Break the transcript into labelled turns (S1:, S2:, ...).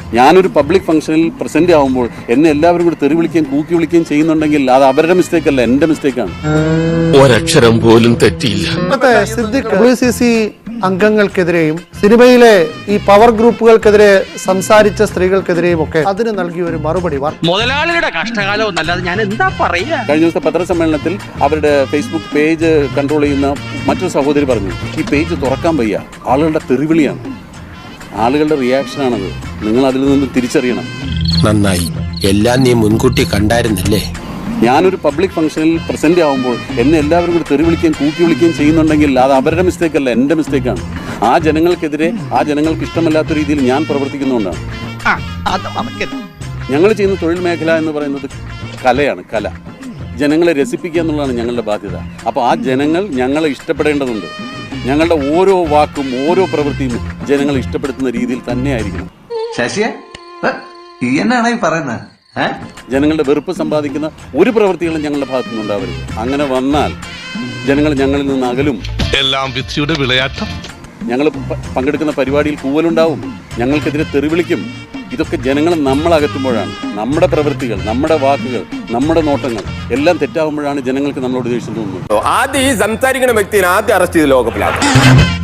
S1: ഞാനൊരു പബ്ലിക് ഫംഗ്ഷനിൽ പ്രസന്റ് ആവുമ്പോൾ എന്നെ എല്ലാവരും കൂടി തെറി വിളിക്കുകയും കൂക്കി വിളിക്കുകയും ചെയ്യുന്നുണ്ടെങ്കിൽ അത് അവരുടെ മിസ്റ്റേക്ക് അല്ല, എന്റെ മിസ്റ്റേക്കാണ്.
S2: ഒരക്ഷരം പോലും തെറ്റിയില്ല.
S3: സിദ്ദിഖ് WCC അംഗങ്ങൾക്കെതിരെയും സിനിമയിലെ ഈ പവർ ഗ്രൂപ്പുകൾക്കെതിരെ സംസാരിച്ച സ്ത്രീകൾക്കെതിരെയും ഒക്കെ അതിന് നൽകിയ ഒരു മറുപടി
S4: മുതലാളിയുടെ കഷ്ടകാലം എന്നല്ലാതെ ഞാൻ എന്താ പറയാ.
S1: കഴിഞ്ഞ ദിവസത്തെ പത്രസമ്മേളനത്തിൽ അവരുടെ ഫേസ്ബുക്ക് പേജ് കൺട്രോൾ ചെയ്യുന്ന മറ്റൊരു സഹോദരി പറഞ്ഞു, ഈ പേജ് തുറക്കാൻ വയ്യ, ആളുകളുടെ തെറിവിളിയാണ്, ആളുകളുടെ റിയാക്ഷനാണത്, നിങ്ങൾ അതിൽ നിന്ന് തിരിച്ചറിയണം.
S5: നന്നായി, എല്ലാം നീ മുൻകൂട്ടി കണ്ടായിരുന്നല്ലേ.
S1: ഞാനൊരു പബ്ലിക് ഫംഗ്ഷനിൽ പ്രസന്റ് ആവുമ്പോൾ എന്നെ എല്ലാവരും കൂടി തെറി വിളിക്കുകയും കൂക്കി വിളിക്കുകയും ചെയ്യുന്നുണ്ടെങ്കിൽ അത് അവരുടെ മിസ്റ്റേക്ക് അല്ല, എന്റെ മിസ്റ്റേക്കാണ്. ആ ജനങ്ങൾക്കെതിരെ ആ ജനങ്ങൾക്ക് ഇഷ്ടമല്ലാത്ത രീതിയിൽ ഞാൻ പ്രവർത്തിക്കുന്നതുകൊണ്ടാണ്. ഞങ്ങൾ ചെയ്യുന്ന തൊഴിൽ മേഖല എന്ന് പറയുന്നത് കലയാണ്, കല. ജനങ്ങളെ രസിപ്പിക്കുക എന്നുള്ളതാണ് ഞങ്ങളുടെ ബാധ്യത. അപ്പോൾ ആ ജനങ്ങൾ ഞങ്ങളെ ഇഷ്ടപ്പെടേണ്ടതുണ്ട്. ഞങ്ങളുടെ ഓരോ വാക്കും ഓരോ പ്രവൃത്തിയും ജനങ്ങളെ ഇഷ്ടപ്പെടുത്തുന്ന രീതിയിൽ തന്നെ ആയിരിക്കണം.
S6: ശശിയെ എന്നാണ് ഈ പറയുന്നത്?
S1: ജനങ്ങളുടെ വെറുപ്പ് സമ്പാദിക്കുന്ന ഒരു പ്രവൃത്തികളും ഞങ്ങളുടെ ഭാഗത്തു നിന്നുണ്ടാവരുത്. അങ്ങനെ വന്നാൽ ജനങ്ങൾ ഞങ്ങളിൽ നിന്ന് അകലും.
S2: എല്ലാം വിധിയുടെ വിളയാട്ടം.
S1: ഞങ്ങൾ പങ്കെടുക്കുന്ന പരിപാടിയിൽ കൂവലുണ്ടാവും, ഞങ്ങൾക്കെതിരെ തെറിവിളിക്കും. ഇതൊക്കെ ജനങ്ങൾ നമ്മളകറ്റുമ്പോഴാണ് നമ്മുടെ പ്രവൃത്തികൾ, നമ്മുടെ വാക്കുകൾ, നമ്മുടെ നോട്ടങ്ങൾ എല്ലാം തെറ്റാകുമ്പോഴാണ് ജനങ്ങൾക്ക് നമ്മളോട് ദേഷ്യം തോന്നുന്നത്.
S5: ആദ്യം ഈ സംസാരിക്കുന്ന വ്യക്തിയെ ആദ്യം അറസ്റ്റ് ചെയ്ത് ലോകപ്പിലാക്കും.